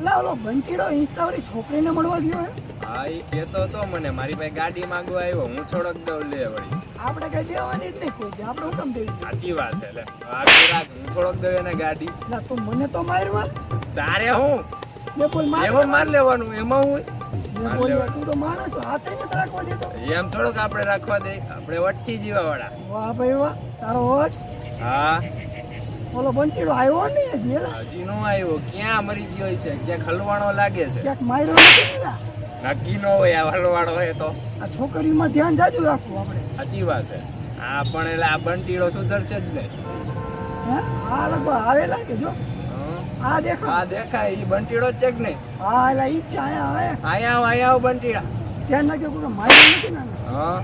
એટલે ઓલો બંટીડો ઇન્સ્ટાવાળી છોકરીને મળવા ગયો હે? હા એ કહેતો હતો મને મારી પાસે ગાડી માંગવા આવ્યો હું થોડોક દઉં લે વળી. આપણે કઈ દેવાની જ નહીં કોઈ આપણે હું કેમ દેવી? સાચી વાત છે લે આગળ રાખ હું થોડોક દઉં એને ગાડી. એટલે તું મને તો મારવા તારે હું ને બોલ માર એમાં માર લેવાનું એમાં હું ને બોલ તું તો માણસ હાથે નથી રાખવા દેતો. એમ થોડુંક આપણે રાખવા દે આપણે વટકી જીવા વાળા. વાહ ભાઈ વાહ તારો હોશ. હા ઓલો બંટીડો આવ્યો નહીં હજી એલા હજી નો આવ્યો ક્યાં મરી ગયો છે ક્યાંક હલવાણો લાગે છે. ક્યાંક માર્યો નથી ને એલા. નક્કી નો હોય આ હલવાણો હોય તો. આ છોકરીમાં ધ્યાન જાજુ રાખવું આપણે. સાચી વાત છે. હા પણ એટલે આ બંટીડો સુધરશે જ ને. હે આ લગભગ આવેલા કે જો આ દેખો આ દેખાય ઈ બંટીડો જ છે કે નહીં? હા એલા ઈ છે આયા આવે અહીંયા આવ બંટીડા. ધ્યાન રાખજો કોઈ માર્યો નથી ને હા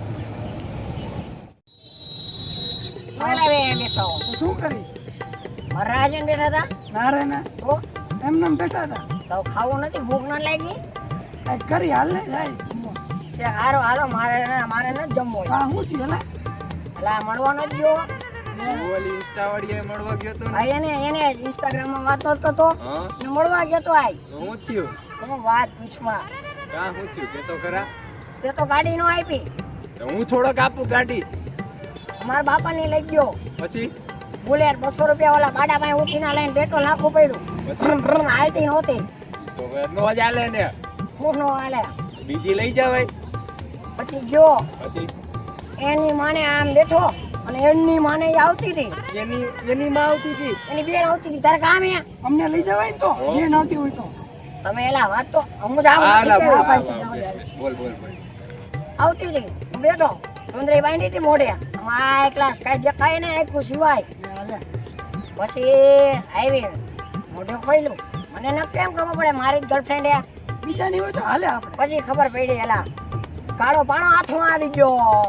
તો શું કરી રાજન બેઠા હતા ના રે ના તો એમને એમ બેઠા હતા તો ખાવું નથી ભૂખ ન લાગી કઈ કરી હાલ ને જાય કે હારો હાલો મારે ન જમવો હા હું છું એલા એટલે આ મળવા ન ગયો ઓલી ઇન્સ્ટા વાળી મળવા ગયો તો આ એને ઇન્સ્ટાગ્રામ માં વાત કરતો તો હા ને મળવા ગયો તો આય હું થયું હું વાત પૂછવા કાં હું થયું કે તો ખરા. તે તો ગાડી નો આપી તો હું થોડોક આપું ગાડી મારા બાપા ને લઈ ગયો પછી બુલેટ 200 રૂપિયા વાળા બાડા પાસે ઉઠીને લઈને પેટ્રોલ નાખવું પડ્યું પછી હાલતી નહોતી તો નો જ હાલે ને હું નો હાલે બીજી લઈ જવાય. પછી ગયો પછી એની માને આમ બેઠો અને એની માને ઈ આવતી હતી એની માં આવતી હતી. એની બેન આવતી હતી તારે કામ હે અમને લઈ જવાય ને તો જે નહોતી હોય તો તમે એલા વાત તો હું જ આવું હા, નથી બોલ, કહેવા હા, પાછી. બેસ, બોલ બોલ બોલ. આવતી હતી હું બેઠો સુંદરી બાંધી હતી મોઢે આ એકલા કઈ દેખાય ને આખું સિવાય પછી આવી મોઢે ખોલ્યું મને ન કેમ ખબર પડે મારી જ ગર્લફ્રેન્ડ હે બીજાની હોય તો હાલે આપણે પછી ખબર પડી એલા કાળો પાણો હાથમાં આવી ગયો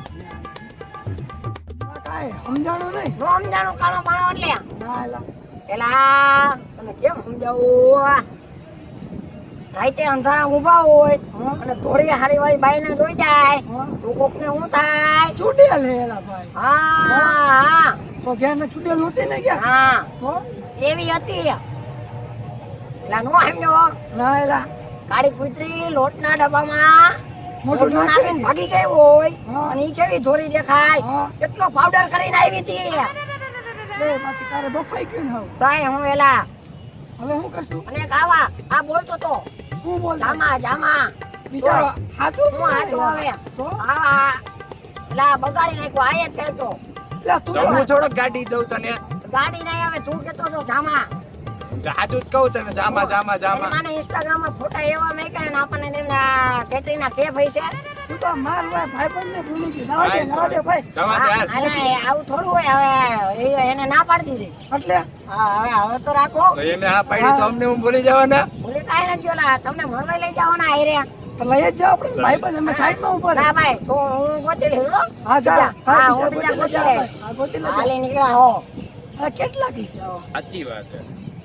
કાંઈ સમજાણો નહીં નો સમજાણું કાળો પાણો એટલે ના એલા એલા તને કેમ સમજાવું રાતે અંધારા ઊભા હોય અને ધોરી હારી વાળી બાઈ ને જોઈ જાય તું કોક ને હું થાય છૂટેલ હે એલા ભાઈ હા તો ઘેરને છૂટેલ નહોતી ને ક્યાં હા તો એવી હતી એટલે નો સમજો ના એલા કાળી કૂતરી લોટના ડબ્બામાં મોટું મોટું નાખીને. નાખીને ભાગી ગઈ હોય હા. અને ઈ કેવી ધોરી દેખાય હા. કેટલો પાવડર કરીને આવી હતી છે બાકી તારે બફાઈ ગયું ને હવે તાય હું એલા હવે શું કરશું અને એક આવા આ બોલતો તો હું બોલ જામા બિચારો હાથું હું હાથું હવે તો આવા એલા બગાડી નાખ્યો આય જ કહેતો લા તું તો હું થોડોક ગાડી દઉં તને. ગાડી નહીં આવે તું કેતો તો જામા સાચું જ કહું તને જામા જામા એની જામા. માને ઇન્સ્ટાગ્રામ માં ફોટા એવા મેક્યા ને આપણને કેટરીના કેફ હોય છે તું તો માર ભાઈબંધ ને ભૂલી ગઈ ના દે ભાઈ જવા દે હાલ. અરે આવું થોડું હોય હવે એને ના પાડી દીધી એટલે હા હવે તો રાખો તો એને આ પાડી તો અમને હું ભૂલી જવાના. ભૂલી કાંઈ નથી ગયો તમને મળવા લઈ જવાના આયરે તો લઈ જ જાવ આપણે ભાઈબંધ અમે સાઈડમાં ઉપર ના ભાઈ તો હું ગોતી લઈશ હો. હા જા હા હું બીજા ગોતી લઈશ હા ગોતી લે હાલી નીકળ્યા હો હા કેટલા કીસ સાચી વાત છે.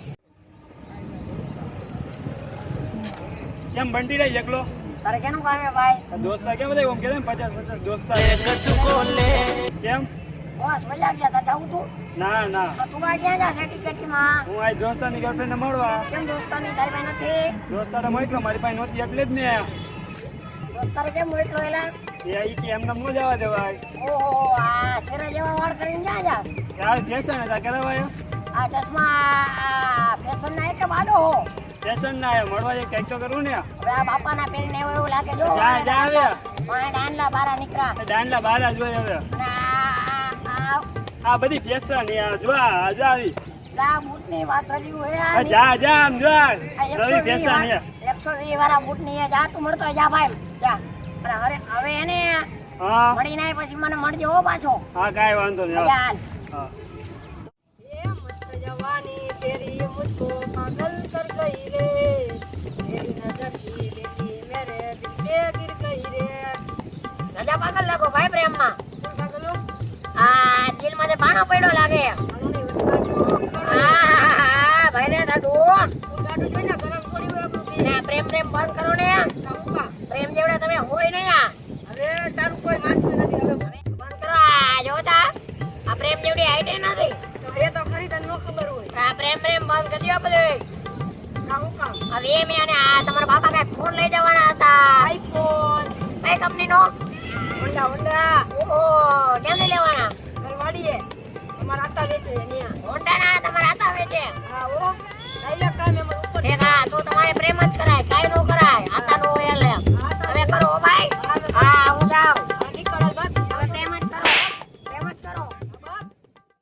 કેમ બંટી રહી એકલો તારે કેનું કામ હે ભાઈ દોસ્તા કેમ બધા ઓમ કે 50 દોસ્તા કેમ બસ મજા ગયા તાર જાવું તું ના ના તો તું આ ક્યાં જા સેટી કેટીમાં હું આ દોસ્તાની ગર્લફ્રેન્ડ ને મળવા કેમ દોસ્તાની તારી પાસે નથી દોસ્તાને મોકલો મારી પાસે નહોતી એટલે જ ને દોસ્તારે કેમ મોકલો એલા એ ઈ કે એમને નો જવા દેવાય ઓહો આ શેરા જેવા વાળ કરીને જા જા યાર ફેશન હતા કરાવાય આ ચશ્મા ફેશન ના એક બાડો હો ફેશન ના આયો મળવા જે કંઈક તો કરવું ને હવે આ બાપાના પહેરીને એવું લાગે જો જા, જા હવે. ડાંડલા બારા નીકળ્યા દાંડલા બારા જોઈ હવે અને આ આ બધી ફેશન યાર જો આ જો આવી આ બૂટની વાત કર્યું હે આ જા જા આમ જો આ આ નવી ફેશન હે 120 વાળા બૂટની હે જા તું મળતો હોય, જા ભાઈ જા અને હવે એને હા મળીને આય પછી મને મળજો હો પાછો હા કાંઈ વાંધો નહીં જા હાલ હા ये मस्त जवानी तेरी मुझको पागल कर गई रे तेरी नजर की देखी मेरे दिल पे गिर गई रे राजा पागल લાગો ભાઈ પ્રેમમાં પાગલો આ દિલ માં પાણો પડ્યો લાગે હા ભાઈ રે દાડુ દાડુ જોઈને ગરમ પડી હોય આપણું ને પ્રેમ પ્રેમ બંધ કરો ને પ્રેમ જેવડા તમે હોય ને હવે તારું કોઈ માનતું નથી હવે બંધ કરો આ જોતા આ પ્રેમ જેવડી હાઈટ નથી એ તો ખરી તને નો ખબર હોય આ પ્રેમ પ્રેમ બંધ કરી દો બધું હું કામ હવે એમ અને આ તમારા બાપા કઈ ફોન લઈ જવાના હતા. આઈફોન કઈ કંપનીનો? હોન્ડા હોન્ડા ઓહો, કેમ લઈ લેવાના? ઘરવાળીએ અમારા આટા વેચે અહીંયા હોન્ડાના તમારા